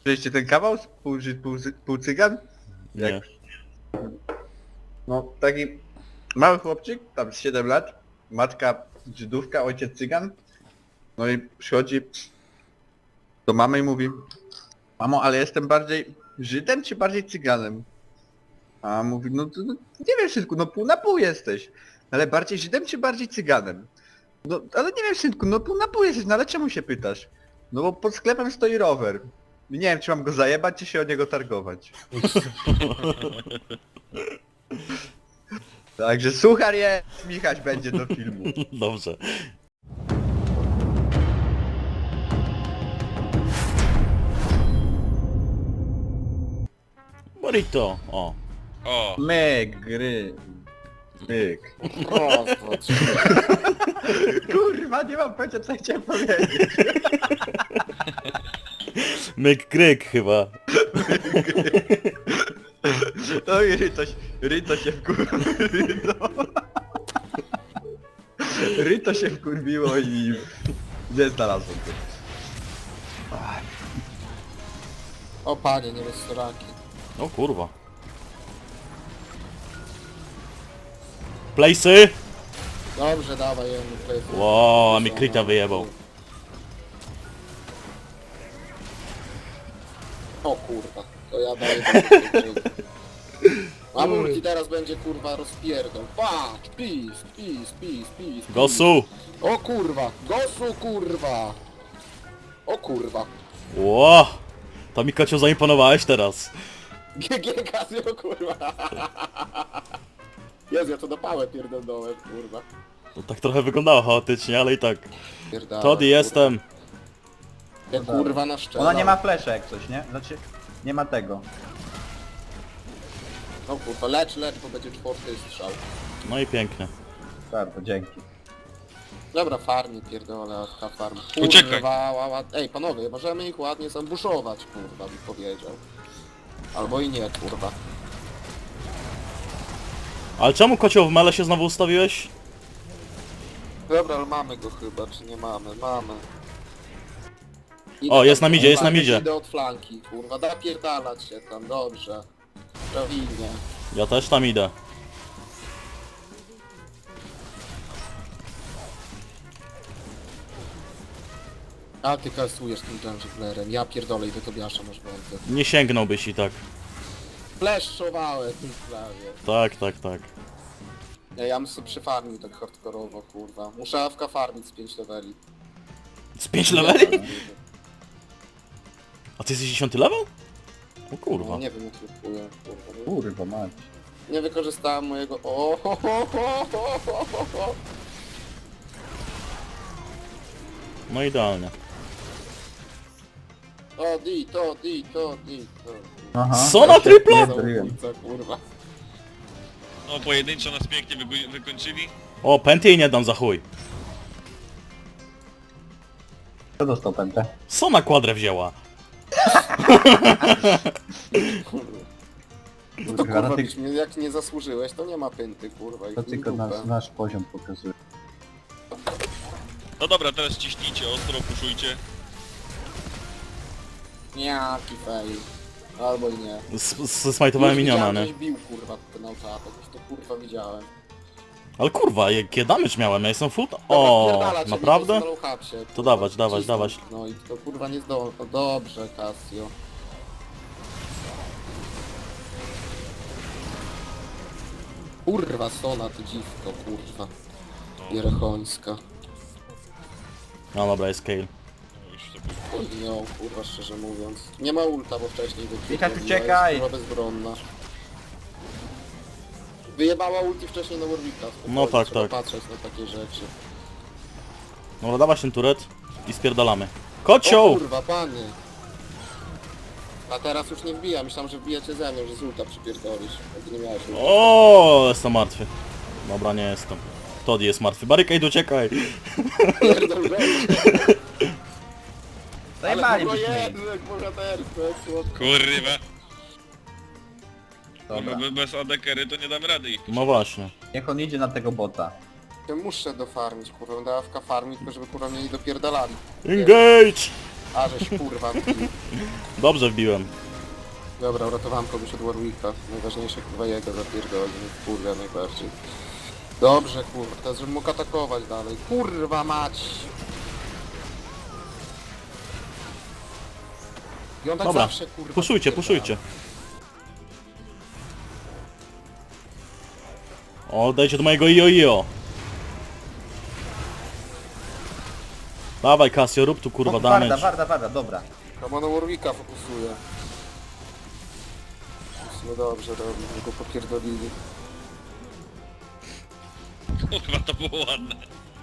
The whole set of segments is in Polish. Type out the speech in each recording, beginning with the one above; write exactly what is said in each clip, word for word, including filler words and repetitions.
Słyszeliście ten kawał? Pół, Żyd, pół, Cy- pół cygan? Nie. No taki mały chłopczyk, tam z siedem lat, matka Żydówka, ojciec cygan. No i przychodzi do mamy i mówi: mamo, ale jestem bardziej Żydem czy bardziej cyganem? A mówi: no, to, no nie wiem synku, no pół na pół jesteś. Ale bardziej Żydem czy bardziej cyganem? No ale nie wiem synku, no pół na pół jesteś, no ale czemu się pytasz? No bo pod sklepem stoi rower. I nie wiem czy mam go zajebać, czy się o niego targować. Także suchar jest, Michać będzie do filmu. Dobrze. Burrito, o. O, Myk, gry. Myk. O, to co? Kurwa, nie mam pojęcia co chciałem powiedzieć. Myk kryk chyba. No i Ryto, się- Ryto się wkurwiło. Ryto się wkurwiło i nie znalazłem go. O panie, nie restauraki. O kurwa. Place'y! Dobrze, dawaj, jemu play. Ło, a mi kryta wyjebał. O kurwa, to ja daję A multi teraz będzie kurwa rozpierdol. Patrz, pis, pis, pis, pis. pis. Gosu! O kurwa, gosu kurwa. O kurwa. Ło! To mi kociu zaimponowałeś teraz. G G Casio kurwa. Jezu, ja to do pałę pierdolnąłem kurwa. To tak trochę wyglądało chaotycznie, ale i tak. Pierdolę, Toddy jestem. Ja kurwa na szczelę. Ona nie ma flesza jak coś, nie? Znaczy, nie ma tego. O kurwa, lecz, lecz, bo będzie czwarty strzał. No i pięknie. Bardzo, dzięki. Dobra, farmi pierdolę, a farm. Uciekaj. Kurwa, ła, ła. Ej panowie, możemy ich ładnie zambuszować, kurwa, by powiedział. Albo i nie, kurwa. Ale czemu kocioł w mele się znowu ustawiłeś? Dobra, ale mamy go chyba, czy nie mamy? Mamy. O, jest na midzie, jest kurwa, na midzie. Idę od flanki, kurwa, napierdalać się tam, dobrze. Prawilnie. Ja też tam idę. A ty kasujesz tym junglerem, ja pierdolę i do Tobiasza masz będę. Nie sięgnąłbyś i tak. Fleszowałem prawie. Tak, tak, tak. Ja, ja bym sobie przyfarmił tak hardkorowo, kurwa. Muszę A F K farmić z pięć leveli. Z pięć leveli? A ty jesteś dziesiąty level? O kurwa. No, nie wiem jak kupuję, kurwa. Kurwa mać. Nie wykorzystałem mojego... O, ho, ho, ho, ho, ho, ho, ho. No idealnie. To di, to di, to di, to di. Aha. Co na tripla? Zabójca, kurwa. no pojedynczo nas pięknie wygo- wykończyli. O, pęty nie dam za chuj. Kto dostał pętę? Co na kwadrę wzięła? No to Kurwa, kurwa, no ty- byś mnie, jak nie zasłużyłeś, to nie ma pęty, kurwa. I To chuj tylko dupę. nasz, nasz poziom pokazuje. No dobra, teraz ciśnijcie ostro, puszujcie. Jaki fail. Albo i nie. Smajtowałem Już miniona, widziałem, nie? żeś bił, kurwa, ten autoatak. Już to kurwa widziałem. Ale kurwa, jakie damage miałem, ja jestem full... Dobra, O, wpierdalać, ja naprawdę? nie jestem na low-hapsie, To kurwa, dawać, dawać, cisnąć. dawać. No i to kurwa nie zdołał. No dobrze, Casio. Kurwa, Sona, ty dziwko, kurwa. Jerechońska. No dobra, jest Kale. No już to było. Oj, nią, kurwa, szczerze mówiąc. Nie ma ulta, bo wcześniej go Michał, zrobiła, uciekaj! jest kurwa bezbronna. Wyjebała ulti wcześniej na Warwicka. No tak, trzeba tak. patrzeć na takie rzeczy. Dobra, dawać ten turet i spierdalamy. O Kocioł! kurwa, panie! A teraz już nie wbija, myślałem, że wbijacie ze mną, że z ulta przypierdolisz. Jakby nie miałeś ulta. O, jestem martwy. Dobra, nie jestem. Toddy jest martwy. Barricade, uciekaj! Pierdol go. Ale Zajmali kurwa byśmy. Jezu, jak bohaterstwo, jak słodko. Kurwa. Dobra. Bo bez A D carry to nie damy rady ich. No właśnie. Niech on idzie na tego bota. Ja muszę dofarmić, kurwa, będę A F K farmić, tylko żeby kurwa mnie nie dopierdalali. Engage! A żeś kurwa. Dobrze wbiłem. Dobra, uratowałem kogoś od Warwicka. Najważniejsze kurwa jego zapierdoli. Kurwa najbardziej. Dobrze kurwa, teraz żebym mógł atakować dalej. Kurwa mać! I on tak Dobra, zawsze kurwa... puszujcie, wpierdala. puszujcie. O, dajcie do mojego io-io. Dawaj Casio, rób tu kurwa O, Warda, damage. warda, warda, dobra. Chyba na Warwicka fokusuje. No dobrze robi, że go popierdolili. Kurwa, to było ładne.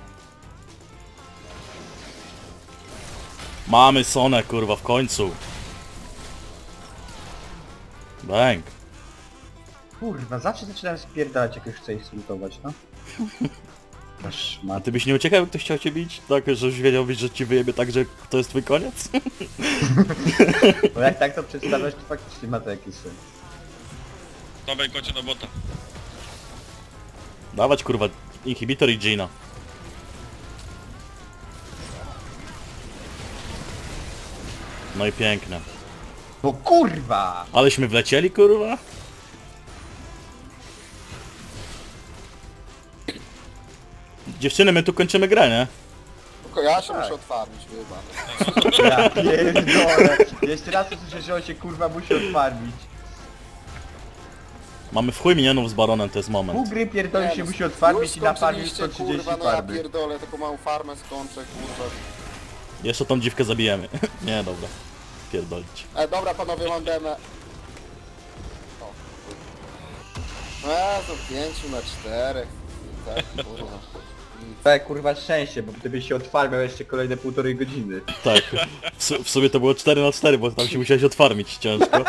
Mamy Sonę kurwa w końcu. Bang. Kurwa, zawsze zaczynałem spierdalać, jak już chcę ich slutować, no. Aż A ma... ty byś nie uciekał, jak ktoś chciał cię bić? Tak, że już wiedziałbyś, że ci wyjebie tak, że to jest twój koniec? Bo jak tak to przedstawiasz, to faktycznie ma to jakiś sens. Dawaj kocie na bota. Dawać kurwa inhibitor i Gina. No i piękne. Bo kurwa! Aleśmy wlecieli kurwa? Dziewczyny, my tu kończymy grę, nie? Tylko ja się Tak. muszę otwarmić, chyba. Ja pierdolę! Jeszcze raz usłyszę, że on się kurwa musi odfarmić. Mamy w chuj minionów z baronem, to jest Pół moment. gry pierdoli Nie, się no, musi odfarmić już i nafarmić skończyliście, sto trzydzieści kurwa, no ja farmy. pierdolę, taką małą farmę skończę, kurwa. Jeszcze tą dziwkę zabijemy. Nie, dobra. Pierdolić. E, dobra panowie, mam demę. O. E, to pięciu na czterech. Tak, kurwa. Tak kurwa szczęście, bo gdybyś się odfarmiał jeszcze kolejne półtorej godziny. Tak. W, su w sumie to było cztery na cztery, bo tam się musiałeś otwarmić ciężko.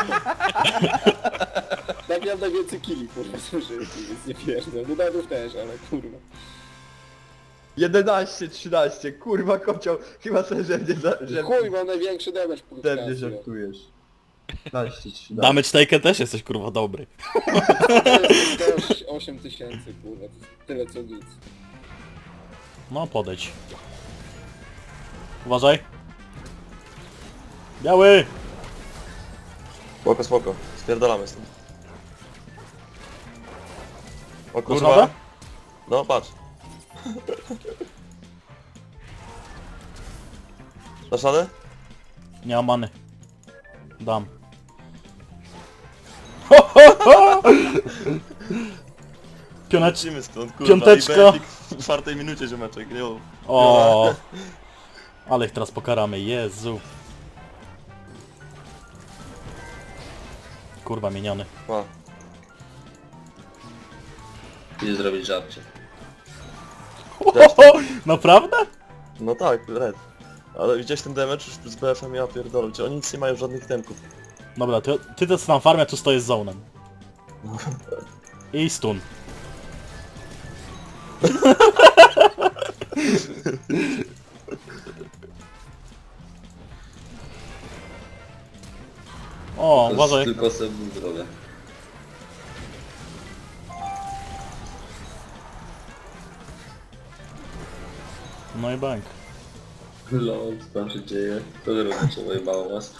Tak miałem najwięcej killi, kurwa, zużyłem, więc nie pierdolę. No Dadów też, ale kurwa. jedenaście trzynaście, kurwa kocioł, chyba sobie ze mnie, za, że, Chuj, mam największy damage po ze mnie żartujesz. piętnaście trzynaście. Damage taken też jesteś kurwa dobry. To jest osiem tysięcy, kurwa, to jest tyle co nic. No podejdź. Uważaj. Biały! Spoko, spoko. Spierdalamy stąd. O Kurwa? kurwa. No patrz. Dasz radę? Nie mam many. Dam. Ho, ho, ho! Pionecz... Lecimy stąd, kurwa. Piąteczka. I Benfic w czwartej minucie ziomeczek, jo. O, ale ich teraz pokaramy, Jezu. Kurwa, miniony. Pa. Idzie zrobić żarcie. Ho, ho, ho! Naprawdę? No tak, red. Ale widziałeś ten damage już z B F-em, ja pierdolę. Czy oni nic nie mają żadnych temków. Dobra, ty, ty to tam farmia, tu stoję z zonem. I stun. O, To uważaj. jest tylko sobie zdrowia. No i bank. Lol, co tam się dzieje? To wy robicie, pojebało was.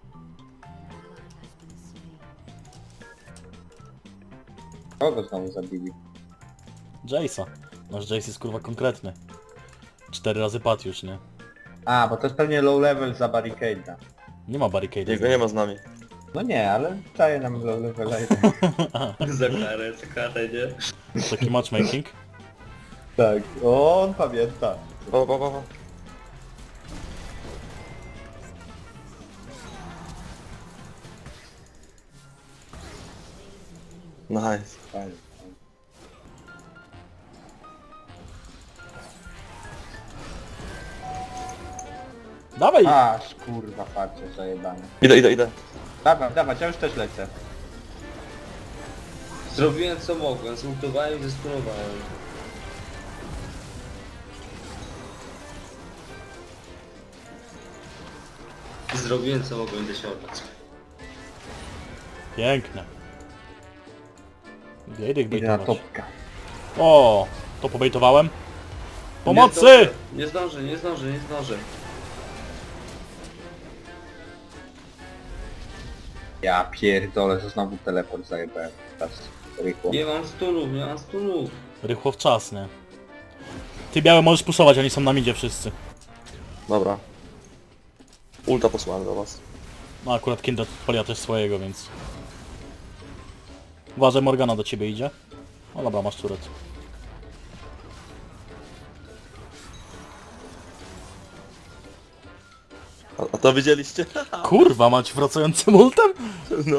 Kogo znowu zabili? Jace'a. Nasz Jace jest kurwa konkretny. Cztery razy padł już, nie? A, bo to jest pewnie low level za barricade. Nie ma barricade. Jego nie ma z nami. No nie, ale daje nam low level. Za karę, za karę, nie? Taki matchmaking. Tak, on pamięta. Pa, pa, pa, pa. Nice. Fajnie. Dawaj! Aż kurwa farcie zajebane. Idę, idę, idę. Dawaj, dawaj, ja już też lecę. Zrobiłem co mogłem, zultowałem i zestunowałem. Zrobiłem co mogłem dosiągnąć. Piękne. Idę ich Idę na bejtować. topka. O, to pobejtowałem. Nie Pomocy! zdążę, nie zdążę, nie zdążę, nie zdążę. Ja pierdolę, że znowu teleport zajebałem. Teraz rychło. Nie mam stulów, nie mam stulów. Rychło w czas, nie? Ty białe możesz puszować, oni są na midzie wszyscy. Dobra. Ulta posłałem do was. No akurat Kindred polia też swojego, więc... Uważaj, Morgana do ciebie idzie. No dobra, masz turret. A, a to widzieliście? Kurwa, mać wracającym ultem? No.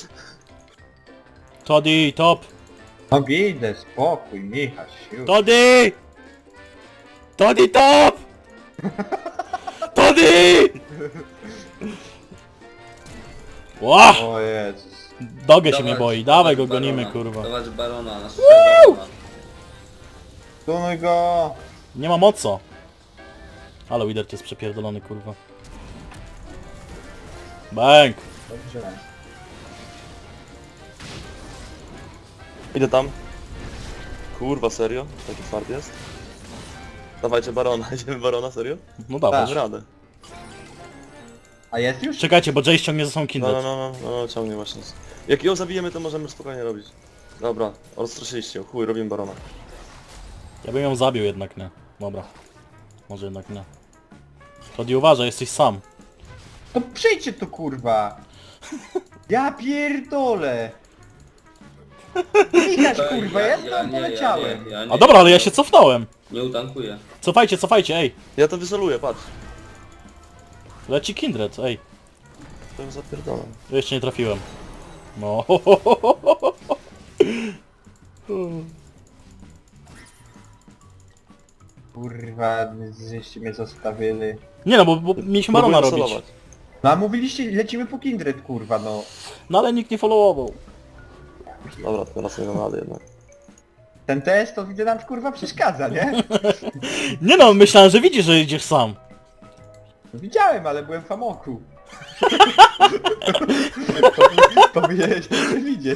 Toddy, top! No idę, spokój, Michał, siu. Toddy! Toddy, top! Toddy! Ła! O Jezus. Dogę się Dawać- mnie boi, dawaj go dawać gonimy, barona, kurwa. Dawać barona, na barona. Tunuj go! Nie mam o co. Ale Wither to jest przepierdolony, kurwa. Bang! Dobrze. Idę tam. Kurwa, serio? Taki twardy jest? Dawajcie barona, idziemy barona, serio? No dawaj. Dam radę. A jest już? Czekajcie, bo Jay ściągnie za sobą No, Kindred. no, no, no, no, ciągnie właśnie. Jak ją zabijemy, to możemy spokojnie robić. Dobra, rozstraszyliście ją, chuj, robimy barona. Ja bym ją zabił jednak, nie. Dobra. Może jednak nie. Toddy, uważaj, jesteś sam. To przyjdźcie tu kurwa! Ja pierdolę! Michał kurwa, ja tam poleciałem! Ja, ja, nie, A dobra, ale ja się cofnąłem. Nie utankuję. Cofajcie, cofajcie, ej. Ja to wysoluję, patrz. Leci Kindred, ej. To ją zapierdolam. Jeszcze nie trafiłem. No. Kurwa, żeście mnie zostawili. Nie no, bo, bo mieliśmy barona Próbuję robić. solować. No a mówiliście, lecimy po Kindred kurwa, no. No ale nikt nie followował. Dobra, teraz nie dam rady jednak. Ten test to widzę nam kurwa przeszkadza, nie? Nie no, myślałem, że widzisz, że idziesz sam. Widziałem, ale byłem w amoku. Powinieneś to widzieć.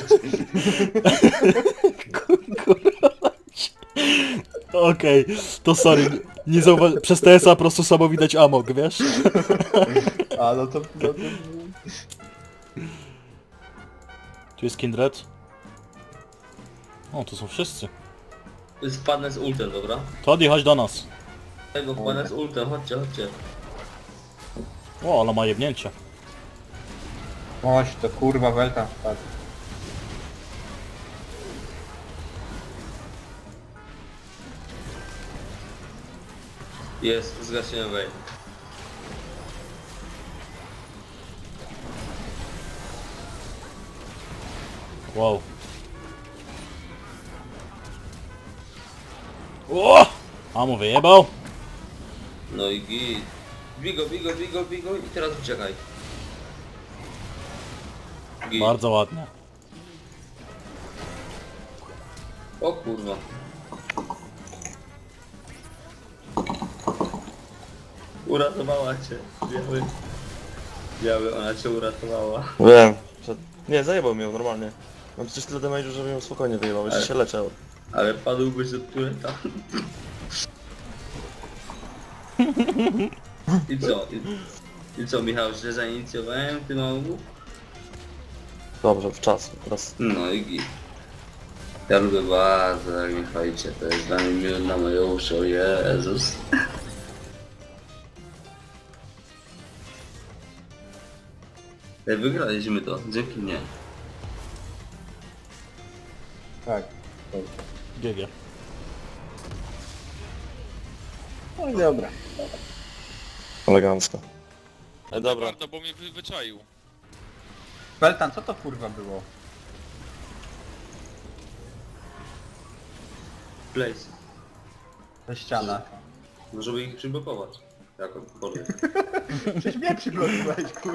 Okej, to sorry. Nie zauwa- Przez T S A po prostu samo widać amok, wiesz? A no to... No to... Tu jest Kindred. O, tu są wszyscy. Wpadnę z ultem, dobra? Toddy, chodź do nas. Tego wpadnę z ultem, chodźcie, chodźcie. O, ale ma jebnięcie. Oś, to kurwa weltam wpadł. Jest, zgasiłem wej. Wow. O! Amo wyjebał. No i git. Bigo, bigo, bigo, bigo i teraz uciekaj. Git. Bardzo ładnie. O kurwa. Uratowała cię, biały. Biały, ona cię uratowała. Wiem. Że... Nie, zajebał mnie normalnie. Mam przecież tyle damage'u, żeby ją spokojnie wyjebał, jeszcze Ale- się leczę. Ale padłbyś od tureta. I co? I, I co Michał, źle zainicjowałem tym mału? Dobrze, w czas. Teraz No i git. Ja lubię bardzo, jak mi fajcie, to jest dla mnie miód na moje uszy, o Jezus. Ej, wygraliśmy to, dzięki mnie. Tak. G G. No i dobra. elegancko. E, dobra. Bardzo, bo mnie wy, wyczaił. Weltan, co to kurwa było? Place. Ta ściana. No żeby ich przyblokować. Jako kolej. Przecież mnie przyglądałeś kurwa.